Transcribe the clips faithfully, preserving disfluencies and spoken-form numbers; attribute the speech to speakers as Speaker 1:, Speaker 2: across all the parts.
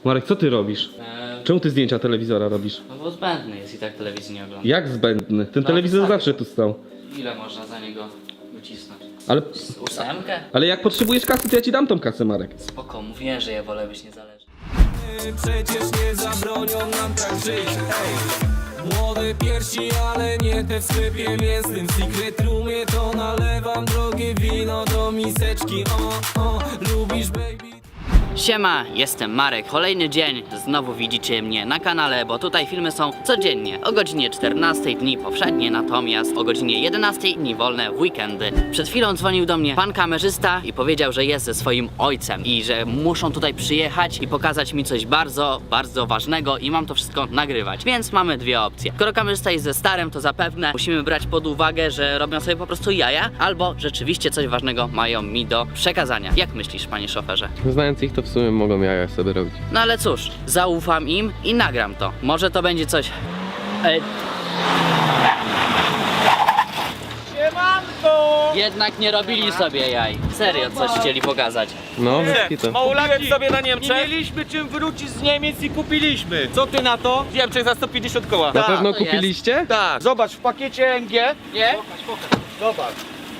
Speaker 1: Marek, co ty robisz?
Speaker 2: Eee,
Speaker 1: Czemu ty zdjęcia telewizora robisz?
Speaker 2: no bo zbędny jest i tak telewizji nie ogląda.
Speaker 1: Jak zbędny? Ten
Speaker 2: No,
Speaker 1: telewizor
Speaker 2: tak.
Speaker 1: zawsze tu stał.
Speaker 2: Ile można za niego wycisnąć?
Speaker 1: Ale,
Speaker 2: Ósemkę?
Speaker 1: ale jak potrzebujesz kasy, to ja ci dam tą kasę, Marek.
Speaker 2: Spoko, mówiłem, że ja wolę być niezależny.
Speaker 3: Przecież nie zabronią nam tak żyć, ej. Młode piersi, ale nie te w sklepie mięsnym. W secret roomie to nalewam drogie wino do miseczki. O, o, lubisz baby?
Speaker 2: Siema, jestem Marek. Kolejny dzień, znowu widzicie mnie na kanale, bo tutaj filmy są codziennie o godzinie czternastej, dni powszednie, natomiast o godzinie jedenastej dni wolne w weekendy. Przed chwilą dzwonił do mnie pan kamerzysta i powiedział, że jest ze swoim ojcem i że muszą tutaj przyjechać i pokazać mi coś bardzo, bardzo ważnego i mam to wszystko nagrywać. Więc mamy dwie opcje. Skoro kamerzysta jest ze starym, to zapewne musimy brać pod uwagę, że robią sobie po prostu jaja, albo rzeczywiście coś ważnego mają mi do przekazania. Jak myślisz, panie szoferze?
Speaker 4: Znając ich, to w sumie mogą jaja sobie robić.
Speaker 2: No ale cóż, zaufam im i nagram to. Może to będzie coś... Ej.
Speaker 5: Siemanko!
Speaker 2: Jednak nie robili sobie jaj. Serio, coś chcieli pokazać.
Speaker 4: No, bez to.
Speaker 5: Małolaki sobie na Niemczech. Nie mieliśmy czym wrócić z Niemiec i kupiliśmy. Co ty na to? W Niemczech za sto pięćdziesiąt koła.
Speaker 4: Na
Speaker 5: Tak,
Speaker 4: pewno
Speaker 2: to jest.
Speaker 4: kupiliście?
Speaker 5: tak. Zobacz, w pakiecie M G, nie? Zobacz.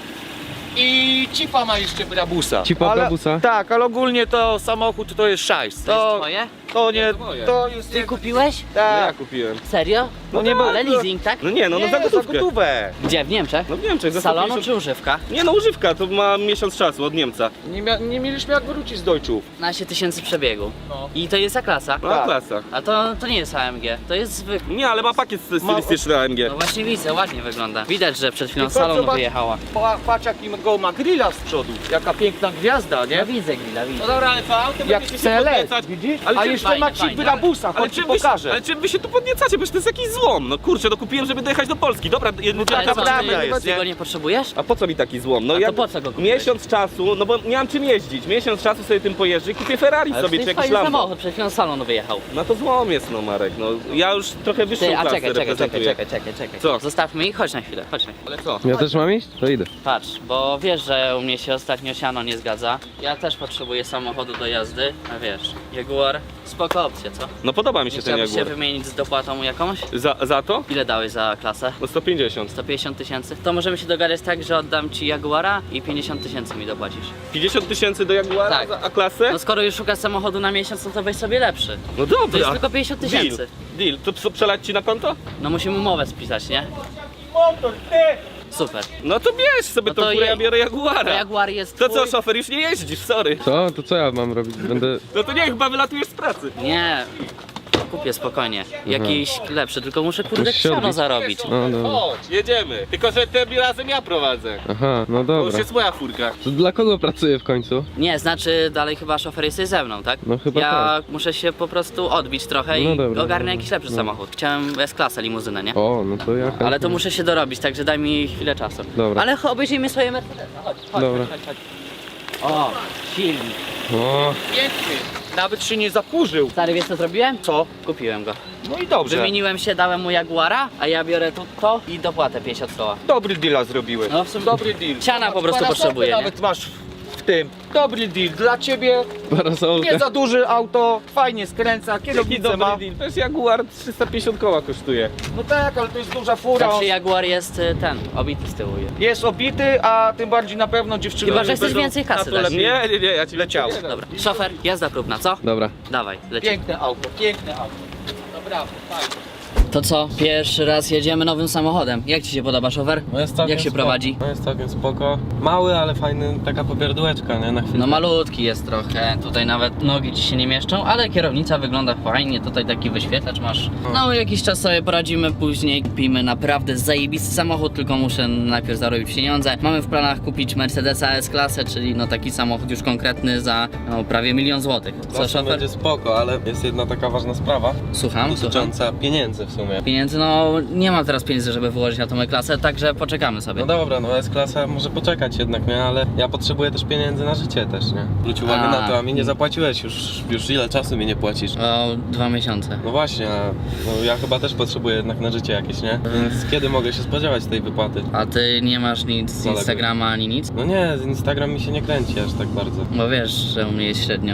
Speaker 5: I cipa ma jeszcze brabusa.
Speaker 4: Cipa
Speaker 5: Ale-
Speaker 4: brabusa?
Speaker 5: Tak, ale ogólnie to samochód to jest szajs.
Speaker 2: To jest
Speaker 5: To,
Speaker 2: twoje?
Speaker 5: to nie,
Speaker 1: moje.
Speaker 5: to jest...
Speaker 2: Ty kupiłeś?
Speaker 1: No ja
Speaker 5: Tak.
Speaker 1: kupiłem.
Speaker 2: Serio?
Speaker 5: No nie, bo-
Speaker 2: Ale leasing, tak?
Speaker 1: No nie, no, no
Speaker 5: Nie,
Speaker 1: za gotówkę.
Speaker 5: za gotówę.
Speaker 2: Gdzie? W Niemczech?
Speaker 1: No w Niemczech, za
Speaker 2: Z salonu
Speaker 1: sto pięćdziesiąt.
Speaker 2: czy używka?
Speaker 1: Nie no, używka, to ma miesiąc czasu od Niemca.
Speaker 5: Nie, mia- nie mieliśmy jak wrócić z Deutschów.
Speaker 2: piętnaście tysięcy przebiegu.
Speaker 5: No.
Speaker 2: I to jest za klasa.
Speaker 1: No
Speaker 5: Tak.
Speaker 1: klasa.
Speaker 2: A to, to nie jest A M G, to jest zwykły.
Speaker 1: Nie, ale ma pakiet stylistyczny A M G.
Speaker 2: No właśnie widzę, ładnie wygląda. Widać, że przed chwilą z
Speaker 5: Tylko
Speaker 2: salonu
Speaker 5: zobacz-
Speaker 2: wyjechała.
Speaker 5: Pa- Patrz jakiego ma grilla z przodu. Jaka piękna gwiazda, nie?
Speaker 2: No widzę grilla, widzę.
Speaker 1: No dobra, ale co? Autem
Speaker 5: Jak
Speaker 1: będziecie
Speaker 5: C
Speaker 1: się
Speaker 5: L S,
Speaker 1: podniecać.
Speaker 5: widzisz?
Speaker 1: Ale
Speaker 5: A
Speaker 1: czym-
Speaker 5: jeszcze
Speaker 2: fajnie,
Speaker 5: ma ci
Speaker 2: fajnie.
Speaker 5: brabusa,
Speaker 1: Ale
Speaker 5: chodź ci
Speaker 1: czym, wy się,
Speaker 5: pokażę.
Speaker 1: ale czym wy się tu podniecacie? Przecież to jest jakiś złom. No kurczę, no kupiłem, żeby dojechać do Polski. Dobra, jedno
Speaker 2: Ale co,
Speaker 5: prawda
Speaker 2: ty,
Speaker 5: jest,
Speaker 2: ty
Speaker 5: nie?
Speaker 2: go nie potrzebujesz?
Speaker 1: A po co mi taki złom? No
Speaker 2: A to
Speaker 1: jak
Speaker 2: po co go kupiłeś?
Speaker 1: miesiąc czasu, no bo miałem czym jeździć. Miesiąc czasu sobie tym pojeżdżę i kupię Ferrari
Speaker 2: Ale
Speaker 1: sobie
Speaker 2: to
Speaker 1: czy
Speaker 2: jest
Speaker 1: jakiś
Speaker 2: fajny
Speaker 1: Lambo.
Speaker 2: samochód, przed chwilą z salonu wyjechał.
Speaker 1: No to złom jest, no Marek. No ja już trochę wyższą
Speaker 2: Ty, a
Speaker 1: klasę
Speaker 2: czekaj, czekaj, czekaj,
Speaker 1: reprezentuję.
Speaker 2: czekaj, czekaj, czekaj.
Speaker 1: Co?
Speaker 2: Zostawmy ich, chodź na chwilę, chodź na chwilę.
Speaker 1: Ale co?
Speaker 4: Ja też mam iść? To idę.
Speaker 2: Patrz, bo wiesz, że u mnie się ostatnio siano nie zgadza. Ja też potrzebuję samochodu do jazdy, a wiesz, Jaguar, spoko opcja, co?
Speaker 1: No podoba mi się
Speaker 2: Nie
Speaker 1: ten
Speaker 2: chciałbyś się
Speaker 1: Jaguar.
Speaker 2: wymienić z dopłatą jakąś?
Speaker 1: Za, za to?
Speaker 2: Ile dałeś za klasę?
Speaker 1: No sto pięćdziesiąt.
Speaker 2: sto pięćdziesiąt tysięcy? To możemy się dogadać tak, że oddam ci Jaguara i pięćdziesiąt tysięcy mi dopłacisz.
Speaker 1: pięćdziesiąt tysięcy do Jaguara,
Speaker 2: Tak.
Speaker 1: za- a klasę?
Speaker 2: No skoro już szukasz samochodu na miesiąc, no to weź sobie lepszy.
Speaker 1: No dobra.
Speaker 2: To jest tylko pięćdziesiąt tysięcy.
Speaker 1: Deal. Deal. To co, przelać ci na konto?
Speaker 2: No musimy umowę spisać, nie?
Speaker 5: Motor, ty!
Speaker 2: Super.
Speaker 1: No to bierz sobie
Speaker 2: No
Speaker 1: tą
Speaker 2: to
Speaker 1: furę,
Speaker 2: je-
Speaker 1: ja biorę
Speaker 2: To
Speaker 1: Jaguara.
Speaker 2: Jaguar jest
Speaker 1: To co,
Speaker 2: twój?
Speaker 1: szofer, już nie jeździsz, sorry.
Speaker 4: Co? To co ja mam robić? Będę...
Speaker 1: No to nie, chyba wylatujesz z pracy.
Speaker 2: Nie. Kupię spokojnie. Jakiś lepszy, tylko muszę kurde
Speaker 4: Musisz się
Speaker 2: siano
Speaker 4: odbić.
Speaker 2: zarobić.
Speaker 4: No dobra.
Speaker 1: Chodź, jedziemy. Tylko, że tym razem ja prowadzę.
Speaker 4: Aha, no
Speaker 1: To już
Speaker 4: dobra.
Speaker 1: jest moja furka.
Speaker 4: To dla kogo pracuję w końcu?
Speaker 2: Nie, znaczy dalej chyba szofer jesteś ze mną, tak?
Speaker 4: No chyba
Speaker 2: ja
Speaker 4: tak.
Speaker 2: muszę się po prostu odbić trochę
Speaker 4: No
Speaker 2: i
Speaker 4: dobra,
Speaker 2: ogarnę
Speaker 4: dobra.
Speaker 2: jakiś lepszy
Speaker 4: No.
Speaker 2: samochód. Chciałem S-klasę, limuzynę, nie?
Speaker 4: O, no to ja...
Speaker 2: Ale to muszę się dorobić, także daj mi chwilę czasu.
Speaker 4: Dobra.
Speaker 2: Ale obejrzyjmy swoje Mercedesa. Chodź, chodź,
Speaker 4: Dobra.
Speaker 2: chodź, chodź, chodź. O, silnik.
Speaker 4: O,
Speaker 5: Piękny. Nawet się nie zakurzył.
Speaker 2: Stary, wiesz co zrobiłem?
Speaker 5: Co?
Speaker 2: Kupiłem go.
Speaker 5: No i dobrze.
Speaker 2: Wymieniłem się, dałem mu Jaguara, a ja biorę tu to i dopłatę pięćdziesiąt koła.
Speaker 5: Dobry deala zrobiłeś.
Speaker 2: No w sumie
Speaker 5: Dobry deal.
Speaker 2: siana po prostu
Speaker 5: Parasolkę
Speaker 2: potrzebuję, nie?
Speaker 5: nawet masz w tym. Dobry deal. Dla ciebie
Speaker 4: parasolka.
Speaker 5: nie za duże auto, fajnie skręca,
Speaker 1: Jaki
Speaker 5: kierownicę
Speaker 1: dobry
Speaker 5: ma.
Speaker 1: deal. To jest Jaguar, trzysta pięćdziesiąt koła kosztuje.
Speaker 5: No tak, ale to jest duża fura.
Speaker 2: Znaczy Jaguar jest y, ten, obity z tyłu.
Speaker 5: Jest obity, a tym bardziej na pewno dziewczyny
Speaker 2: Chyba, że
Speaker 5: nie
Speaker 2: chcesz
Speaker 5: będą
Speaker 2: więcej kasy
Speaker 5: na to
Speaker 2: dać.
Speaker 5: lepiej.
Speaker 1: Nie, nie, nie, ja ci
Speaker 5: Leciało.
Speaker 1: leciał.
Speaker 2: Dobra, szofer, jazda próbna, co?
Speaker 4: Dobra.
Speaker 2: Dawaj, lecimy.
Speaker 5: Piękne auto, piękne auto. No brawo, fajnie.
Speaker 2: To co, pierwszy raz jedziemy nowym samochodem. Jak ci się podoba, szofer?
Speaker 4: No jest całkiem
Speaker 2: Jak się
Speaker 4: spoko.
Speaker 2: prowadzi?
Speaker 4: No jest całkiem spoko. Mały, ale fajny, taka popierdółeczka, nie? Na chwilę.
Speaker 2: No malutki jest trochę, tutaj nawet nogi ci się nie mieszczą, ale kierownica wygląda fajnie, tutaj taki wyświetlacz masz. No jakiś czas sobie poradzimy, później kupimy naprawdę zajebisty samochód, tylko muszę najpierw zarobić pieniądze. Mamy w planach kupić Mercedesa S-klasę, czyli no taki samochód już konkretny za no, prawie milion złotych. Co,
Speaker 4: Zawsze
Speaker 2: szofer?
Speaker 4: będzie spoko, ale jest jedna taka ważna sprawa
Speaker 2: Słucham, słucham.
Speaker 4: dotycząca pieniędzy w sumie.
Speaker 2: Pieniędzy, no nie mam teraz pieniędzy, żeby wyłożyć na tą E-klasę, także poczekamy sobie.
Speaker 4: No dobra, no S-klasa może poczekać jednak, nie? Ale ja potrzebuję też pieniędzy na życie też, nie? Zwróć uwagę
Speaker 2: A.
Speaker 4: na to, a mi nie zapłaciłeś już, już ile czasu mi nie płacisz.
Speaker 2: O dwa miesiące.
Speaker 4: No właśnie, a no ja chyba też potrzebuję jednak na życie jakieś, nie? Więc kiedy mogę się spodziewać tej wypłaty?
Speaker 2: A ty nie masz nic z
Speaker 4: Zaległy.
Speaker 2: Instagrama ani nic?
Speaker 4: No nie, z Instagram mi się nie kręci aż tak bardzo.
Speaker 2: Bo wiesz, że u mnie jest średnio.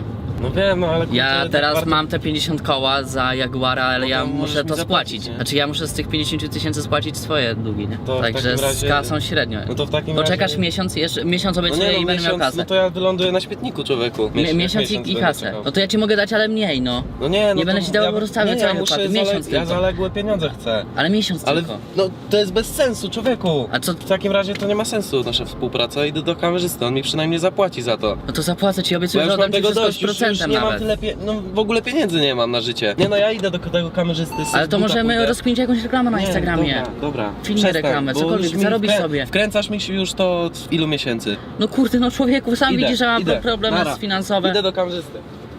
Speaker 4: No wiem, no ale...
Speaker 2: Ja
Speaker 4: kurczę,
Speaker 2: teraz
Speaker 4: tak
Speaker 2: mam te pięćdziesiąt koła za Jaguara, ale
Speaker 4: No
Speaker 2: ja
Speaker 4: to możesz
Speaker 2: muszę
Speaker 4: mi
Speaker 2: to
Speaker 4: zapłacić,
Speaker 2: spłacić.
Speaker 4: nie?
Speaker 2: Znaczy ja muszę z tych pięćdziesiąt tysięcy spłacić swoje długi, nie?
Speaker 4: To w
Speaker 2: Także
Speaker 4: takim
Speaker 2: z
Speaker 4: razie-
Speaker 2: kasą średnio.
Speaker 4: No to w takim
Speaker 2: Poczekasz
Speaker 4: razie...
Speaker 2: miesiąc, jeszcze miesiąc
Speaker 4: No
Speaker 2: obiecuję
Speaker 4: nie,
Speaker 2: i
Speaker 4: no,
Speaker 2: będę miał
Speaker 4: miesiąc,
Speaker 2: kasę.
Speaker 4: no to ja wyląduję na śmietniku, człowieku.
Speaker 2: Mi-
Speaker 4: Miesiąc-
Speaker 2: miesiąc i, i
Speaker 4: będę
Speaker 2: kasę.
Speaker 4: czekał.
Speaker 2: No to ja ci mogę dać, ale mniej, no.
Speaker 4: No nie, no
Speaker 2: Nie
Speaker 4: to
Speaker 2: będę ci dawał
Speaker 4: ja,
Speaker 2: po prostu cały
Speaker 4: nie, ja
Speaker 2: całej
Speaker 4: muszę
Speaker 2: wypłaty. Miesiąc
Speaker 4: zale- Ja
Speaker 2: tylko.
Speaker 4: zaległe pieniądze chcę.
Speaker 2: Ale miesiąc
Speaker 4: Ale,
Speaker 2: tylko.
Speaker 4: no to jest bez sensu, człowieku.
Speaker 2: A co?
Speaker 4: W takim razie to nie ma sensu nasza współpraca. Idę do kamerzysty, on mi przynajmniej zapłaci za to.
Speaker 2: No to zapłacę ci,
Speaker 4: Bo
Speaker 2: obiecuję,
Speaker 4: ja
Speaker 2: że
Speaker 4: już mam
Speaker 2: oddam ci
Speaker 4: tego
Speaker 2: wszystko z
Speaker 4: dość, już, już
Speaker 2: procentem
Speaker 4: nie mam
Speaker 2: nawet.
Speaker 4: tyle pie... no w ogóle pieniędzy nie mam na życie. Nie no, ja idę do tego kamerzysty.
Speaker 2: Ale to możemy rozkminić jakąś reklamę na
Speaker 4: Nie,
Speaker 2: Instagramie.
Speaker 4: Dobra, dobra.
Speaker 2: Filmy,
Speaker 4: Przestań,
Speaker 2: reklamę,
Speaker 4: bo
Speaker 2: cokolwiek,
Speaker 4: już mi
Speaker 2: zarobisz
Speaker 4: wkrę-
Speaker 2: sobie.
Speaker 4: Wkręcasz mi się już to od ilu miesięcy.
Speaker 2: No kurde, no człowieku, sam
Speaker 4: Idę,
Speaker 2: widzisz, że mam
Speaker 4: idę.
Speaker 2: problemy
Speaker 4: Nara.
Speaker 2: finansowe.
Speaker 4: Idę do kamerzysty.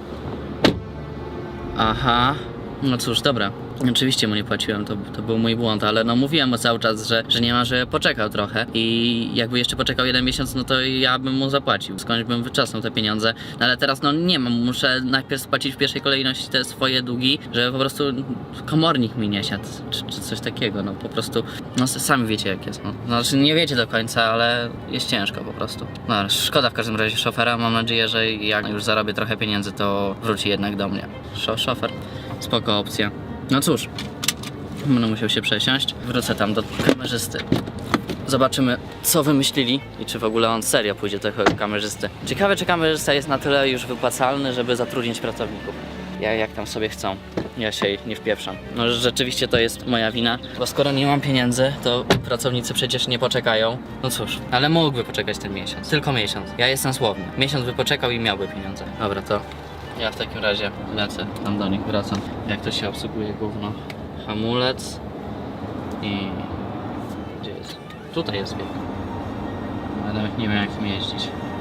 Speaker 2: Aha, no cóż, dobra. Oczywiście mu nie płaciłem, to, to był mój błąd, ale no mówiłem mu cały czas, że, że nie ma, że poczekał trochę i jakby jeszcze poczekał jeden miesiąc, no to ja bym mu zapłacił, skądś bym wyczasnął te pieniądze, no ale teraz no nie mam, muszę najpierw spłacić w pierwszej kolejności te swoje długi, żeby po prostu komornik mi nie siadł, czy, czy coś takiego, no po prostu, no sami wiecie jak jest, no. Znaczy nie wiecie do końca, ale jest ciężko po prostu. No ale szkoda w każdym razie szofera, mam nadzieję, że jak już zarobię trochę pieniędzy, to wróci jednak do mnie. Szo szofer, spoko opcja. No cóż, będę musiał się przesiąść. Wrócę tam do kamerzysty. Zobaczymy, co wymyślili i czy w ogóle on serio pójdzie do tego kamerzysty. Ciekawe, czy kamerzysta jest na tyle już wypłacalny, żeby zatrudnić pracowników. Ja jak tam sobie chcą. Ja się ich nie wpieprzam. No rzeczywiście to jest moja wina, bo skoro nie mam pieniędzy, to pracownicy przecież nie poczekają. No cóż, ale mógłby poczekać ten miesiąc. Tylko miesiąc. Ja jestem słowny. Miesiąc by poczekał i miałby pieniądze. Dobra, to ja w takim razie lecę tam do nich, wracam. Jak to się obsługuje gówno? Hamulec i... Gdzie jest? Tutaj jest bieg. Ale nawet nie wiem jak tym jeździć.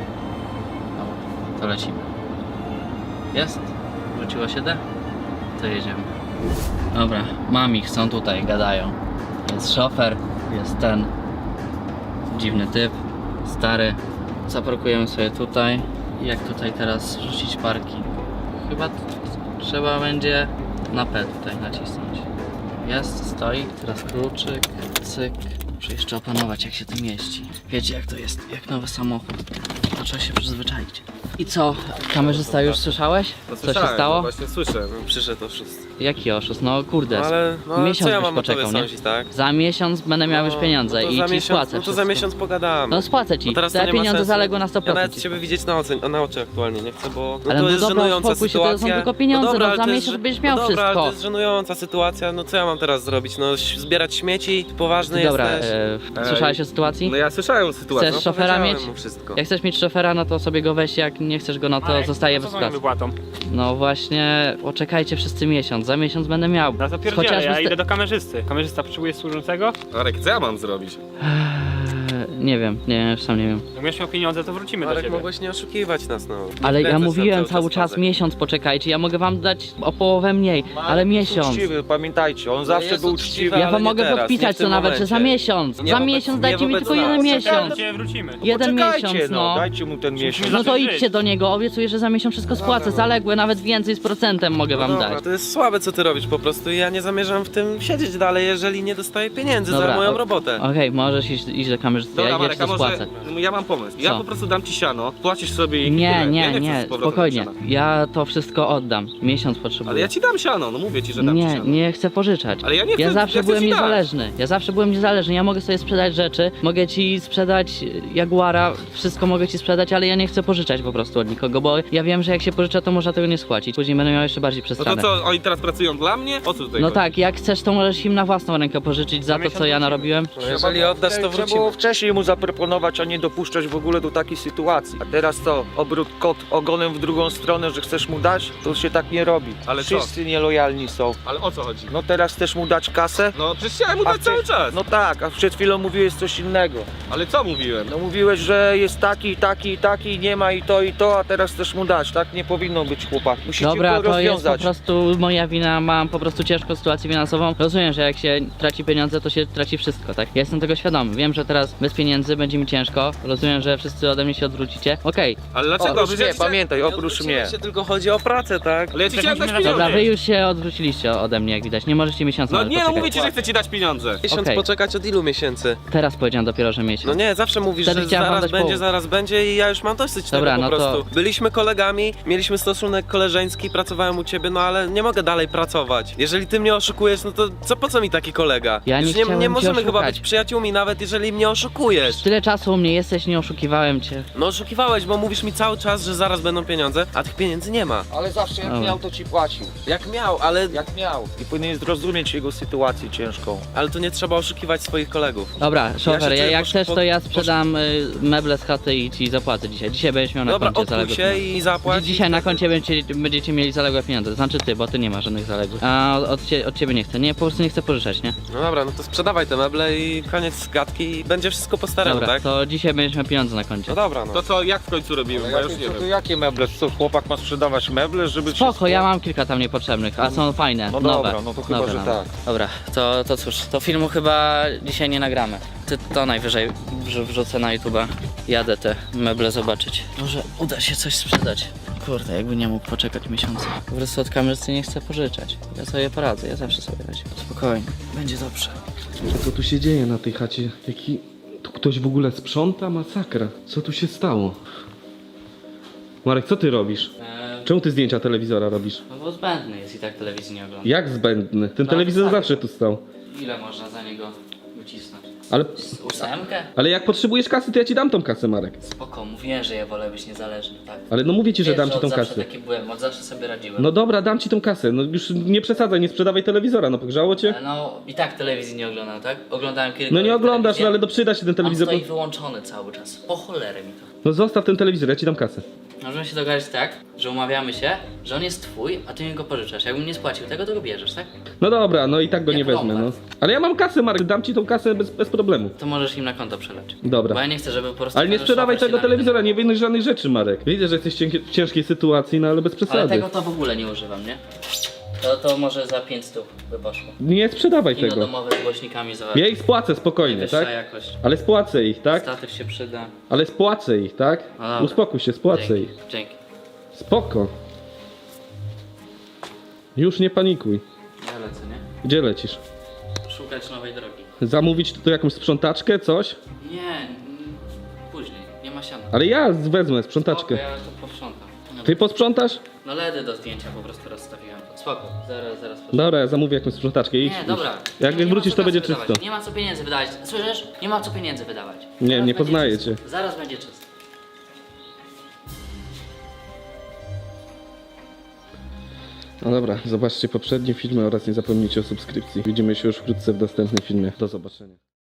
Speaker 2: Dobra, to lecimy. Jest? Wróciło się D? To jedziemy. Dobra, mam ich, są tutaj, gadają. Jest szofer, jest ten dziwny typ, stary. Zaparkujemy sobie tutaj. Jak tutaj teraz rzucić parki? Chyba t- trzeba będzie na P tutaj nacisnąć. Jest, stoi. Teraz kluczyk, cyk. Muszę jeszcze opanować jak się tym jeździ. Wiecie jak to jest, jak nowy samochód. To trzeba się przyzwyczaić. I co, kamerzysta już słyszałeś? Co się stało?
Speaker 4: No właśnie słyszę, no, przyszedł oszust.
Speaker 2: Jaki oszust? No kurde,
Speaker 4: No ale, no, ale
Speaker 2: miesiąc
Speaker 4: co ja
Speaker 2: byś
Speaker 4: mam o tobie
Speaker 2: poczekał, nie?
Speaker 4: sądzić, tak?
Speaker 2: Za miesiąc będę miał już
Speaker 4: No,
Speaker 2: pieniądze
Speaker 4: no to
Speaker 2: i
Speaker 4: za
Speaker 2: ci
Speaker 4: miesiąc,
Speaker 2: spłacę
Speaker 4: No to
Speaker 2: wszystko.
Speaker 4: za miesiąc pogadamy.
Speaker 2: No spłacę ci,
Speaker 4: No teraz to
Speaker 2: te
Speaker 4: nie ma
Speaker 2: pieniądze
Speaker 4: sensu.
Speaker 2: zaległe na sto procent.
Speaker 4: Ja nawet ciebie widzieć na, oczy, na oczy aktualnie nie chcę, bo no
Speaker 2: Ale
Speaker 4: to
Speaker 2: no
Speaker 4: jest
Speaker 2: dobra,
Speaker 4: żenująca
Speaker 2: uspokój się, to są
Speaker 4: sytuacja.
Speaker 2: tylko pieniądze,
Speaker 4: dobra,
Speaker 2: no
Speaker 4: ale
Speaker 2: za
Speaker 4: to jest
Speaker 2: miesiąc
Speaker 4: żen-
Speaker 2: będziesz miał
Speaker 4: no dobra, ale
Speaker 2: wszystko.
Speaker 4: to jest żenująca sytuacja, no co ja mam teraz zrobić? No ś- zbierać śmieci, poważny
Speaker 2: Dobra,
Speaker 4: jesteś.
Speaker 2: e, słyszałeś o sytuacji?
Speaker 1: No ja słyszałem sytuację.
Speaker 2: Chcesz
Speaker 4: no,
Speaker 2: szofera
Speaker 4: powiedziałem
Speaker 2: mieć?
Speaker 4: mu wszystko.
Speaker 2: Jak chcesz mieć szofera, no to sobie go weź, jak nie chcesz go, no to
Speaker 6: Marek,
Speaker 2: zostaje
Speaker 6: no
Speaker 2: bez
Speaker 6: co z moją
Speaker 2: pracy.
Speaker 6: wypłatą?
Speaker 2: No właśnie, poczekajcie wszyscy miesiąc, za miesiąc będę miał.
Speaker 6: No to pierdzielę,
Speaker 2: Chociażby
Speaker 6: ja
Speaker 2: z te-
Speaker 6: idę do kamerzysty. Kamerzysta potrzebuje służącego?
Speaker 1: Arek, co ja mam zrobić?
Speaker 2: Eee, Nie wiem, nie wiem, sam nie wiem.
Speaker 6: Jak będziesz miał pieniądze, to wrócimy do
Speaker 4: Marek,
Speaker 6: ciebie.
Speaker 4: mogłeś nie oszukiwać nas, no. Nie
Speaker 2: Ale ja
Speaker 4: wkręcać nam
Speaker 2: mówiłem cały czas
Speaker 4: fazę.
Speaker 2: miesiąc poczekajcie, ja mogę wam dać o połowę mniej, ale miesiąc.
Speaker 5: Uczciwy, pamiętajcie, on zawsze
Speaker 4: jest
Speaker 5: był
Speaker 4: uczciwy,
Speaker 5: uczciwy.
Speaker 2: Ja
Speaker 4: ale
Speaker 2: wam
Speaker 4: nie
Speaker 2: mogę
Speaker 4: teraz, nie
Speaker 2: podpisać
Speaker 4: w tym
Speaker 2: to nawet, że za
Speaker 4: momencie.
Speaker 2: miesiąc.
Speaker 4: Nie
Speaker 2: Za
Speaker 4: wobec-
Speaker 2: miesiąc
Speaker 4: nie
Speaker 2: dajcie mi
Speaker 4: wobec
Speaker 2: tylko
Speaker 4: nas.
Speaker 2: jeden
Speaker 6: Do
Speaker 2: miesiąc.
Speaker 6: ciebie wrócimy.
Speaker 2: Jeden
Speaker 5: Poczekajcie,
Speaker 2: miesiąc, no.
Speaker 5: Dajcie mu ten miesiąc.
Speaker 2: No to
Speaker 6: zacząć
Speaker 2: idźcie
Speaker 6: żyć.
Speaker 2: do niego, obiecuję, że za miesiąc wszystko spłacę, zaległe, nawet więcej z procentem mogę
Speaker 4: No
Speaker 2: wam
Speaker 4: dobra,
Speaker 2: dać.
Speaker 4: to jest słabe co ty robisz po prostu i ja nie zamierzam w tym siedzieć dalej, jeżeli nie dostaję pieniędzy
Speaker 2: Dobra,
Speaker 4: za moją
Speaker 2: o-
Speaker 4: robotę.
Speaker 2: Okej, możesz iść, iść do kamerzysty, ja
Speaker 1: Dobra,
Speaker 2: idę
Speaker 1: Marek, a
Speaker 2: to
Speaker 1: może
Speaker 2: spłacę.
Speaker 1: ja mam pomysł. Ja
Speaker 2: Co?
Speaker 1: po prostu dam ci siano, płacisz sobie i
Speaker 2: Nie,
Speaker 1: tyle.
Speaker 2: nie,
Speaker 1: ja nie,
Speaker 2: nie,
Speaker 1: chcę z powrotem
Speaker 2: spokojnie.
Speaker 1: siana.
Speaker 2: Ja to wszystko oddam. Miesiąc potrzebuję.
Speaker 1: Ale ja ci dam siano, no mówię ci, że dam ci
Speaker 2: Nie,
Speaker 1: siano.
Speaker 2: nie chcę pożyczać.
Speaker 1: Ale ja nie chcę-
Speaker 2: Ja zawsze
Speaker 1: ja chcę
Speaker 2: byłem
Speaker 1: ci dać.
Speaker 2: niezależny. Ja zawsze byłem niezależny. Ja mogę sobie sprzedać rzeczy, mogę ci sprzedać Jaguara, wszystko mogę ci sprzedać, ale ja nie chcę pożyczać po prostu od nikogo, bo ja wiem, że jak się pożycza, to można tego nie spłacić. Później będę miał jeszcze bardziej
Speaker 1: No to
Speaker 2: przestranę.
Speaker 1: co, oni teraz pracują dla mnie? O co tutaj
Speaker 2: No
Speaker 1: chodzi?
Speaker 2: tak, jak chcesz, to możesz im na własną rękę pożyczyć za to, co ja narobiłem.
Speaker 4: No jeżeli oddasz, to
Speaker 5: Trzeba
Speaker 4: wrócimy.
Speaker 5: było wcześniej mu zaproponować, a nie dopuszczać w ogóle do takiej sytuacji. A teraz to, obrót kot ogonem w drugą stronę, że chcesz mu dać, to się tak nie robi.
Speaker 1: Ale co?
Speaker 5: Wszyscy nielojalni są.
Speaker 1: Ale o co chodzi?
Speaker 5: No teraz chcesz mu dać kasę?
Speaker 1: No przecież chciałem mu
Speaker 5: A
Speaker 1: dać cały
Speaker 5: przecież-
Speaker 1: czas.
Speaker 5: No tak, a przed chwilą mówiłeś coś innego.
Speaker 1: Ale co mówiłem?
Speaker 5: No mówiłeś, że jest taki, taki, taki, nie ma i to i to, a teraz chcesz mu dać. Tak nie powinno być, chłopak. Musicie
Speaker 2: Dobra,
Speaker 5: go
Speaker 2: to jest po
Speaker 5: rozwiązać.
Speaker 2: prostu moja wina, mam po prostu ciężką sytuację finansową. Rozumiem, że jak się traci pieniądze, to się traci wszystko, tak? Ja jestem tego świadomy. Wiem, że teraz bez pieniędzy pieniędzy, będzie mi ciężko. Rozumiem, że wszyscy ode mnie się odwrócicie. Okej,
Speaker 1: Ale dlaczego?
Speaker 5: Oprócz
Speaker 1: Przecież ja
Speaker 5: mnie,
Speaker 1: ci chciałem-
Speaker 5: pamiętaj,
Speaker 4: Nie
Speaker 5: oprócz
Speaker 4: odwróciłeś
Speaker 5: mnie.
Speaker 4: się, tylko chodzi o pracę, tak?
Speaker 1: Ale ja ci chciałem dać
Speaker 6: Dobra,
Speaker 1: pieniądze.
Speaker 2: dobra, wy już się odwróciliście ode mnie, jak widać. Nie możecie miesiąca
Speaker 1: No
Speaker 2: nawet
Speaker 1: nie, no
Speaker 2: poczekać.
Speaker 1: mówię ci, że chcę ci dać pieniądze.
Speaker 4: Miesiąc
Speaker 2: Okej.
Speaker 4: poczekać od ilu miesięcy?
Speaker 2: Teraz powiedziałem dopiero, że miesiąc.
Speaker 4: No nie, zawsze mówisz,
Speaker 2: Wtedy
Speaker 4: że
Speaker 2: chciałem wam
Speaker 4: zaraz
Speaker 2: dać
Speaker 4: będzie,
Speaker 2: połowę.
Speaker 4: zaraz będzie i ja już mam dosyć
Speaker 2: Dobra,
Speaker 4: tego po
Speaker 2: no to-
Speaker 4: prostu. Byliśmy kolegami, mieliśmy stosunek koleżeński, pracowałem u ciebie, no ale nie mogę dalej pracować. Jeżeli ty mnie oszukujesz, no to co, po co mi taki kolega?
Speaker 2: Ja nie
Speaker 4: już nie,
Speaker 2: chciałem
Speaker 4: nie
Speaker 2: cię
Speaker 4: możemy chyba
Speaker 2: oszukać.
Speaker 4: być przyjaciółmi, nawet jeżeli mnie oszukujesz.
Speaker 2: Tyle czasu u mnie jesteś, nie oszukiwałem cię.
Speaker 4: No oszukiwałeś, bo mówisz mi cały czas, że zaraz będą pieniądze, a tych pieniędzy nie ma.
Speaker 5: Ale zawsze jak
Speaker 2: Dobra.
Speaker 5: miał, to ci płacił.
Speaker 4: Jak miał, ale,
Speaker 5: Jak miał. I powinien zrozumieć jego sytuację ciężką.
Speaker 4: ale to nie trzeba oszukiwać swoich kolegów.
Speaker 2: Dobra, szofer,
Speaker 4: się
Speaker 2: ja,
Speaker 4: czuję
Speaker 2: jak
Speaker 4: posz-
Speaker 2: chcesz,
Speaker 4: po-
Speaker 2: to ja
Speaker 4: posz-
Speaker 2: sprzedam y, meble z chaty i ci zapłacę dzisiaj. Dzisiaj będziesz miał na
Speaker 4: Dobra,
Speaker 2: koncie
Speaker 4: odkuj
Speaker 2: zaległe
Speaker 4: się
Speaker 2: pieniądze.
Speaker 4: i zapłać.
Speaker 2: Dzisiaj na koncie będziecie, będziecie mieli zaległe pieniądze. Znaczy ty, bo ty nie masz żadnych zaległych. A od, od, cie, od ciebie nie chcę. Nie, po prostu nie chcę pożyczać, nie?
Speaker 4: No dobra, no to sprzedawaj te meble i koniec gadki i będzie wszystko po staremu,
Speaker 2: Dobra,
Speaker 4: tak?
Speaker 2: to dzisiaj będziesz miał pieniądze na koncie.
Speaker 4: No dobra, no.
Speaker 1: To co, jak w końcu robimy? Bo ja już nie
Speaker 5: to, to
Speaker 1: wiem.
Speaker 5: jakie meble? Co, chłopak ma sprzedawać meble, żeby
Speaker 2: Spoko,
Speaker 5: wszystko-
Speaker 2: ja mam kilka tam niepotrzebnych, a są fajne,
Speaker 5: No
Speaker 2: nowe.
Speaker 5: dobra, no to chyba,
Speaker 2: Dobra,
Speaker 5: że
Speaker 2: dobra.
Speaker 5: tak.
Speaker 2: Dobra, to, to cóż, to filmu chyba dzisiaj nie nagramy. Ty to najwyżej wrzu- wrzucę na YouTube'a. Jadę te meble zobaczyć. Może uda się coś sprzedać. Kurde, jakby nie mógł poczekać miesiąca. Po prostu od kamerzysty nie chcę pożyczać. Ja sobie poradzę, ja zawsze sobie radzę. Spokojnie, będzie dobrze.
Speaker 7: Co tu się dzieje na tej chacie? Jaki... Tu ktoś w ogóle sprząta? Masakra. Co tu się stało? Marek, co ty robisz?
Speaker 2: Eee,
Speaker 7: Czemu ty zdjęcia telewizora robisz?
Speaker 2: no bo zbędny jest i tak telewizji nie ogląda.
Speaker 7: Jak zbędny? Ten
Speaker 2: No,
Speaker 7: telewizor
Speaker 2: tak.
Speaker 7: zawsze tu stał.
Speaker 2: Ile można za niego wycisnąć?
Speaker 7: Ale...
Speaker 2: Ósemkę?
Speaker 7: Ale jak potrzebujesz kasy, to ja ci dam tą kasę, Marek.
Speaker 2: Spoko, mówiłem, że ja wolę być niezależny, tak?
Speaker 7: Ale no mówię ci, że
Speaker 2: Wiesz,
Speaker 7: dam ci
Speaker 2: od
Speaker 7: tą
Speaker 2: zawsze
Speaker 7: kasę.
Speaker 2: taki byłem, od zawsze sobie radziłem.
Speaker 7: No dobra, dam ci tą kasę. No już nie przesadzaj, nie sprzedawaj telewizora, no pogrzało cię?
Speaker 2: Ale no i tak telewizji nie oglądam, tak? Oglądałem kilka
Speaker 7: No nie
Speaker 2: razy
Speaker 7: oglądasz,
Speaker 2: telewizję.
Speaker 7: no ale to przyda się ten
Speaker 2: On
Speaker 7: telewizor.
Speaker 2: stoi wyłączony cały czas. Po cholerę mi to.
Speaker 7: No zostaw ten telewizor, ja ci dam kasę.
Speaker 2: Możemy się dogadać tak, że umawiamy się, że on jest twój, a ty mi go pożyczasz. Jakbym nie spłacił tego, to go bierzesz, tak?
Speaker 7: No dobra, no i tak go
Speaker 2: Jak
Speaker 7: nie wezmę, no.
Speaker 2: Lombard.
Speaker 7: Ale ja mam kasę, Marek, dam ci tą kasę bez, bez problemu.
Speaker 2: To możesz im na konto przelać.
Speaker 7: Dobra.
Speaker 2: Bo ja nie chcę, żeby po prostu...
Speaker 7: Ale nie
Speaker 2: każdy
Speaker 7: sprzedawaj
Speaker 2: szwafer się
Speaker 7: tego
Speaker 2: na mnie
Speaker 7: telewizora, nie
Speaker 2: denerwował.
Speaker 7: wyjdziesz żadnych rzeczy, Marek. Widzę, że jesteś cienkie- w ciężkiej sytuacji, no ale bez
Speaker 2: Ale
Speaker 7: przesady.
Speaker 2: tego to w ogóle nie używam, nie? To, to może za pięć stóp by poszło.
Speaker 7: Nie sprzedawaj
Speaker 2: Kino
Speaker 7: tego.
Speaker 2: domowe z głośnikami za
Speaker 7: Ja ich spłacę spokojnie,
Speaker 2: wyższa
Speaker 7: tak?
Speaker 2: jakość.
Speaker 7: Ale spłacę ich, tak?
Speaker 2: Statyw się przyda.
Speaker 7: Ale spłacę ich, tak?
Speaker 2: No dobra.
Speaker 7: Uspokój się, spłacę
Speaker 2: Dzięki.
Speaker 7: ich.
Speaker 2: Dzięki.
Speaker 7: Spoko. Już nie panikuj.
Speaker 2: Ja lecę, nie?
Speaker 7: Gdzie lecisz?
Speaker 2: Szukać nowej drogi.
Speaker 7: Zamówić tu jakąś sprzątaczkę, coś?
Speaker 2: Nie, mm, później, nie ma siana.
Speaker 7: Ale ja wezmę
Speaker 2: Spoko,
Speaker 7: sprzątaczkę.
Speaker 2: ja to posprzątam. No,
Speaker 7: Ty posprzątasz?
Speaker 2: no ledy do zdjęcia po prostu rozstawiłem. Spoko, zaraz, zaraz posprzątam.
Speaker 7: Dobra, ja zamówię jakąś sprzątaczkę. Idź,
Speaker 2: Nie,
Speaker 7: idź.
Speaker 2: dobra.
Speaker 7: Jak
Speaker 2: nie, nie
Speaker 7: wrócisz,
Speaker 2: ma co
Speaker 7: to będzie
Speaker 2: kasy
Speaker 7: czysto.
Speaker 2: wydawać. Nie ma co pieniędzy wydawać. Słyszysz? Nie ma co pieniędzy wydawać.
Speaker 7: Nie,
Speaker 2: Zaraz
Speaker 7: nie
Speaker 2: będzie
Speaker 7: poznaję
Speaker 2: czysto.
Speaker 7: cię.
Speaker 2: Zaraz będzie czysto.
Speaker 7: No dobra, zobaczcie poprzednie filmy oraz nie zapomnijcie o subskrypcji. Widzimy się już wkrótce w następnym filmie. Do zobaczenia.